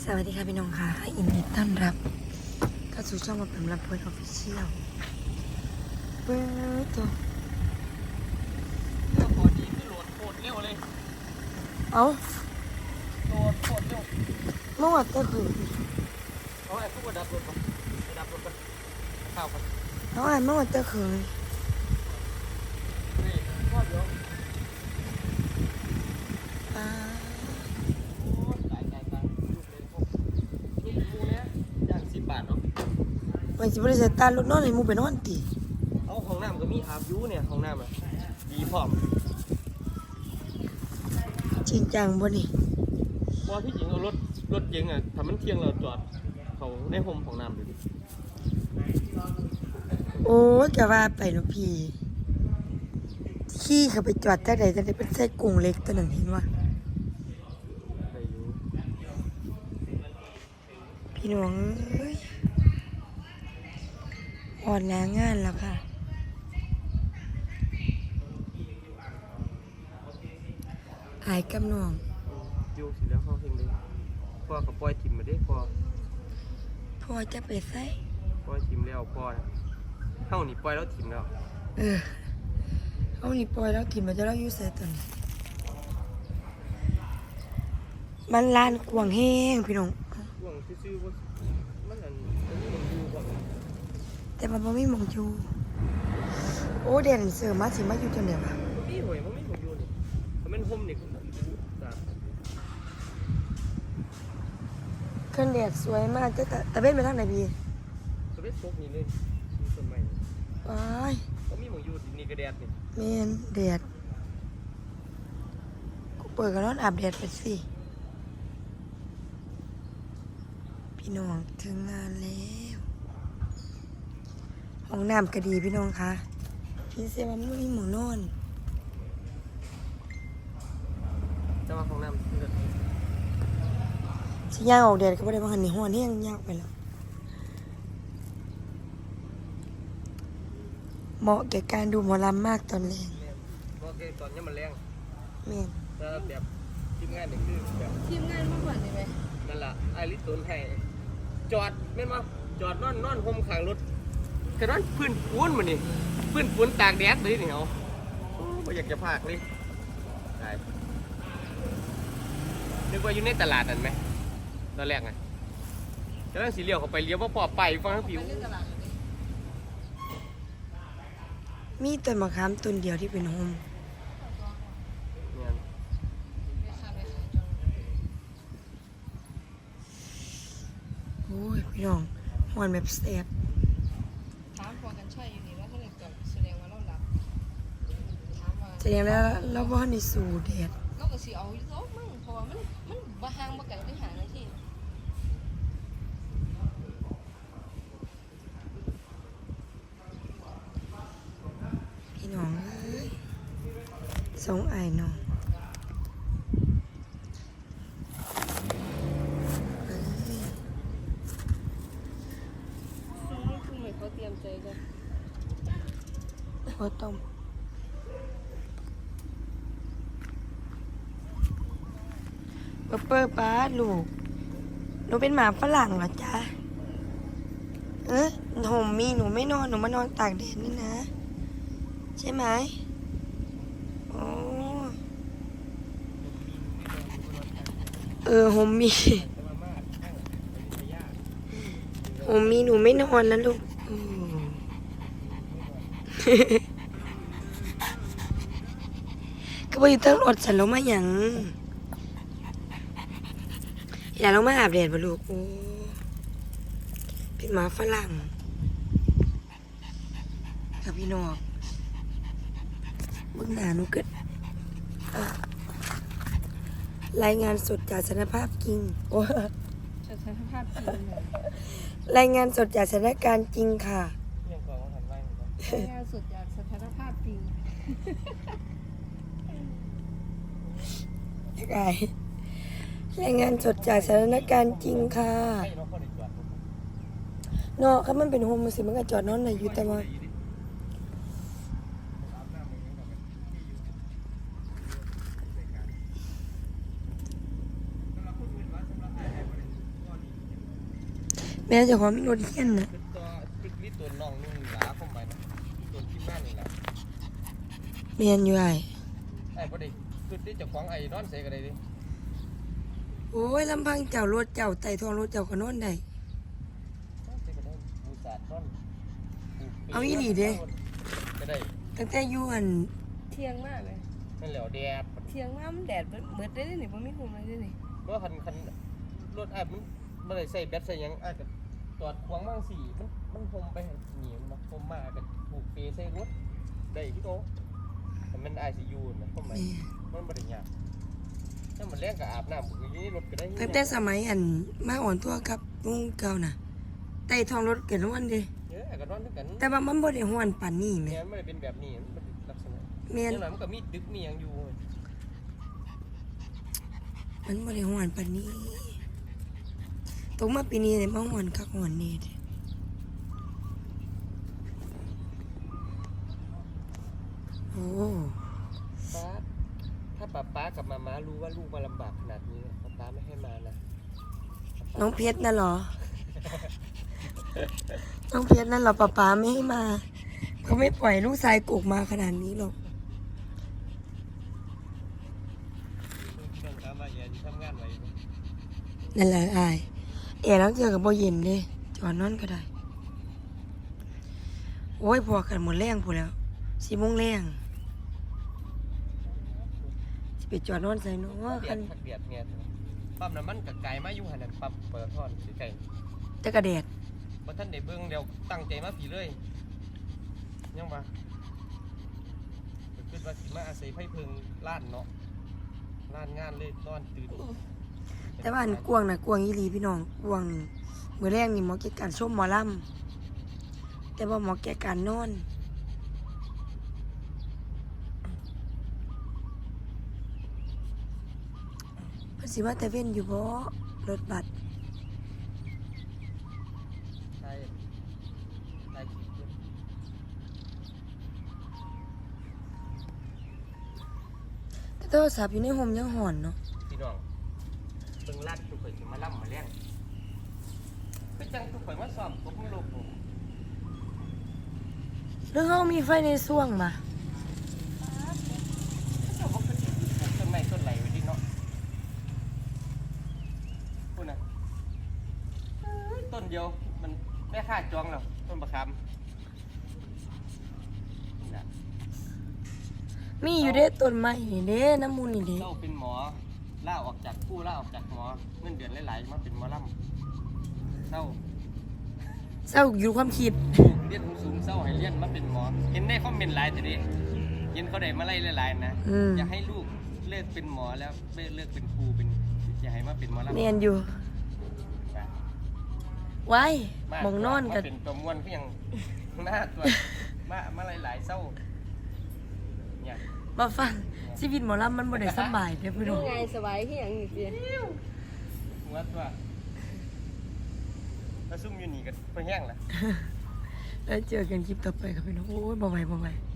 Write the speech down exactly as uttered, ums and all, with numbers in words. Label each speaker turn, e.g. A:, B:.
A: สวัสดีค่ะพี่น้องค่ะยินดีต้อนรับเข้าสู่ช่องมาเป็นรับเพื่อนออฟฟิเชียลเปิดตัว
B: ก็พอดีคือโหลดโคตรเร็วเลย
A: เอา
B: โหลดโคตรเร็ว
A: เมื่อวันเตอร์คืน
B: เอาไอ้พวกกระดับรถก่อนกระดับรถก่อนข้าวก่อน
A: เอาอ่านเมื่อวันเตอร์คืน
B: นี่ชอบเยอะ
A: อ่า
B: โอ้ยตายตายตายลูกเลยพวกลูกมูเนี้ยย่างสิบบาทเนาะ
A: วันที่บริษัทตาลุกนอนเลยมูไปนอนตี
B: เอาห้องน้ำก็มีอาบยูเนี่ยห้องน้ำอ่ะดีพร้อม
A: จริงจังบ่นี่
B: พอพี่หญิงเอารถรถเก๋งอ่ะทำมันเที่ยงเราจอดเขาในโฮมของน้ำเลยดิ
A: โอ้ยจะว่าไปเนาะพี่ขี้เขาไปจอดแต่ไหนแต่ไหนเป็นไส้กุ้งเล็กตัวนั้นเห็นว่า
B: ไปอยู่
A: พี่น้องเอ้ยอ่อนแรงงานแล้วค่ะหายกำนอง
B: อยู่สิแล้วเขาเฮงเลยพ่อเขาปล่อยทิมมาได้พ่อ
A: พอจะไปใส่
B: ปล่อยทิมแล้วพ่อนะเท่านี้ปล่อยแล้วทิมแล้ว
A: เออเอานี่ปล่อยแล้วถิ่มมันจะเล่าอยู่ใส่ตัวนี้มันลานกวางแห้งพี่น้อง
B: ช่วงซื่อๆว่ามันอันมันนี่มันอยู่แบบ
A: แต่มันบ่มีหมองอยู่โอ้เด่นเสือมาสิมาอยู่จนเดียวอะ
B: มันมีหวยมันไม่ของอยู่นี่มันเป็นโฮมนี่จ้ะ
A: เครื่องแดดสวยมากแต่แต่เว้นไปทางไหนพี่
B: สเปซโฟกนี่เลยมีต้นไม้
A: ว้าย
B: เขามีหมองอยู่นี่กระแดดนี่
A: แมนแดดกูเปิดกันนอนอาบแดดไปสิพี่น้องถึงงานแล้วห้องน้ำก็ดีพี่น้องคะพี่เซว่ามันไม่มีหมองนอน
B: จะมาของน้ำเลือด
A: สิย่างออกแดดก็บ่ได้มาหันนี่ฮ้อนแห้งยากไปแล้วเหมาะแก่การดูหมอลำมากตอนแรง
B: เพราะแกตอนนี้มันแรง
A: แม่น
B: แต่แบบทีมงานนี่คือแบบ
C: ทีมงานมากกว่านี้ไหม
B: นั่นแหละไอริสตุนให้จอดแม่นมาจอดนอนนอนโฮมข้างรถแค่นอนพื้นปูนมันนี่พื้นปูนตากแดดเลยนี่เอาโอ้ไม่อยากจะพากเลยได้นึกว่าอยู่ในตลาดนั่นไหมตอนแรกไงจะนั่งสีเลี้ยวเข้าไปเลี้ยวว่าพอไปฟังทั้งผิว
C: ไปเล่นตลาดเลย
A: มีต้นมะขามต้นเดียวที่เป็นโฮม
B: เนี่ย
C: ไปขายไปขายจน
A: โอ้ยพี่น้องหวนแบบแซ่บ
C: ถามพอกันใช่อยู่นี่แล้วถ้าเกิดกับแสดงว่าเราหลับถามว่า
A: แสดงแล้วเราบ่ทันได้สู่แดด
C: เราก็สิเอาอยู่โต๊ะมั่งเพราะว่ามันมันบ่ห่างบ่ไกลที่หาในที่
A: พี่น้องเอ้ยสองไอ้น้องเอ้ย
C: ซึ่งนี่คือเหมือนเขาเตรียมใจกัน
A: ข้าวต้มเปอร์เปอร์ป้าลูกหนูเป็นหมาฝรั่งเหรอจ๊ะเออโฮมมีหนูไม่นอนหนูมานอนตากแดดนี่นะ ใช่ไหมโอ้เออโฮมมีโฮมมีหนูไม่นอนแล้วลูกอืม ก็ไปอยู่ตั้งรถฉันลงมาหยังอย่าลงมาอาบแดดบ่ลูกโอ้เป็นหมาฝรั่งกับพี่นอกเบื้องหน้าหนูเกิดเอ่อรายงานสดจากสถานภาพจริงโอ้
C: สถานภาพจริงเลย
A: รายงานสดจากสถานการณ์จริงค่ะ
B: เรื่องของทำไรเหมือนกัน
C: รายงานสดจากสถานภาพจริง
A: ไงรายงานสดจากสถานการณ์จริงค่ะ
B: ให้เราเข้าในจอด
A: เนาะถ้ามันเป็นโฮมมันสิมันก็จอดนอนได้อยู่แต่ว่าแม่เจ้าของมีรถเฮียนน่ะ
B: คือตัวคือวิตัวน้องนุ่งหลาเข้าไปนะตัวที่บ้านนี่แหละ
A: แม่นอยู่ไอ้
B: ไอ้พอดีคือที่เจ้าของไอ้นอนเสกอะไรดิ
A: โอ้ยลำพังเจ้ารถเจ้าไต่ทองรถเจ้าก็นอนได้
B: นอนเสกก็ได้บูสาดนอน
A: เอาอีหลีเด้
B: ก็ได้
A: ตั้งแต่อยู่อัน
C: เที่ยงมากเลย
B: นั่นแหละแดด
C: เที่ยงมากมันแดดเบิดเบิดได้เลยนี่บ่มีคุมอะไรได้นี่
B: เพราะคันคันรถไอ้มันไม่ได้ใส่แบตใส่หยังไอ้ก็จอดขวางบ้างสิมันมันพรมไปหนีมันมาพรมมาก็ถูกเปใส่รถได้ที่โตแต่มันไอซียูนะทำไม
A: แม่
B: มันบริยากถ้ามันแรงกับอาบน้ำผมอย่างนี้รถก็ได้
A: ตั้งแต่สมัยอันมาอ่อนตัวกับลุงเก่าน่ะไต่ทองรถเกิดวันเด้
B: เยอะก็นอนด้วยกัน
A: แต่ว่ามันบ่ได้ฮ้อนปานนี้แหม่
B: เนี่ยมันไม่ได้เป็นแบบนี้มันเป็นลักษณะ
A: แม่น
B: อย่างไรมันก็มีดึกมีอย่างอยู่
A: มันบ่ได้ฮ้อนปานนี้ตกมาปีนี้ได้มาฮ้อนคักฮ้อนแน่เด้โอ้
B: ป้าถ้าป้าป้ากับมาม้ารู้ว่าลูกมาลำบากขนาดนี้ป้าป้าไม่ให้มานะ
A: น้องเพชรน่ะเหรอ น้องเพชรนั่นเหรอป๊าป๊าไม่ให้มาเขาไม่ปล่อยลูกชายกกมาขนาดนี้หรอก
B: เรื่องการมาเย็นทำงานไว้
A: นั่นแหละอายเอ๋แล้วเจอกับโบเย็นเลยจอดนอนก็ได้ โอ้ยพอกันหมดแรงพูดแล้วสี่โมงแรงสิไปจอดนอนใส่เนาะ
B: เดี
A: คั
B: ย
A: น
B: ดขัดเดียดเนี่ยปั๊มน้ำมันกับไก่มาอยู่หันนั้นปั๊มเปิดท่อนสิไก่
A: จะกระแดด
B: พอท่านได้เบิ่งเดี๋ยวตั้งใจมาผีเลยยังมาคิดว่าสิมาอาศัยไฟเพิงล้านเนาะล้านงานเลยนอนตื่น
A: แต่ว่าอันกวางนะกวางอีหลีพี่น้องกวางมือแรกนี่หมอเกี่ยวกับการชมหมอลำแต่ว่าหมอเกี่ยวกับการนอนเพิ่นสิว่าแต่เว้นอยู่บ่รถบัส
B: ใช่ใช่คิดด้วย
A: แต่โทรศัพท์อยู่ในห่มยังห่อนเนาะ
B: พี่น้องเบิ่งลาดทุกคนจะมาล่ำมาเลี้ยงคือจังทุกคนมาซ้อมกบมือโลกผม
A: หรือเฮามีไฟในส่วงมา
B: เจ้าบอกคือปลูกต้นไม้ต้นไหลไว้ดิเนาะพูดนะเอ้ยต้นเดียวมันแม่ค่าจองแล้วต้นประคำนี่นะ
A: มีอยู่เด้ต้นไม้นี่เด้น้ำมูลนี่เด้
B: เจ้าเป็นหมอล่าออกจากผู้ล่าออกจากหมอเงินเดือนหลายๆมาเป็นหมอลำเศร้า
A: เศร้าอยู่ความคิด
B: เรียนสูงๆเศร้าให้เรียนมาเป็นหมอ เห็นได้คอมเมนต์หลายแต่นี้เห็นเขาได้มาไล่หลายๆนะ
A: อืม
B: อยากให้ลูกเลิกเป็นหมอแล้วเลิกเป็นครูเป็นอยากให้มาเป็นหมอลำ
A: เรียนอยู่ไว้หมองนอนกัน
B: มาเป็นตัวมวนก็ยังหน้าตัวมามาหลายๆเศร้าเนี่ย
A: มาฟังชีวิตหมอลำมันบ่ได้สบายเด้อพี่น้อง
C: ไงสบายที่อย่างนี้สิ
B: หัวตัวแล้วซุ่มอยู่นี่กันไปแห้งละ
A: แล้วเจอกันคลิปต่อไปครับพี่น้องโอ้ยบ่ไหวบ่ไหว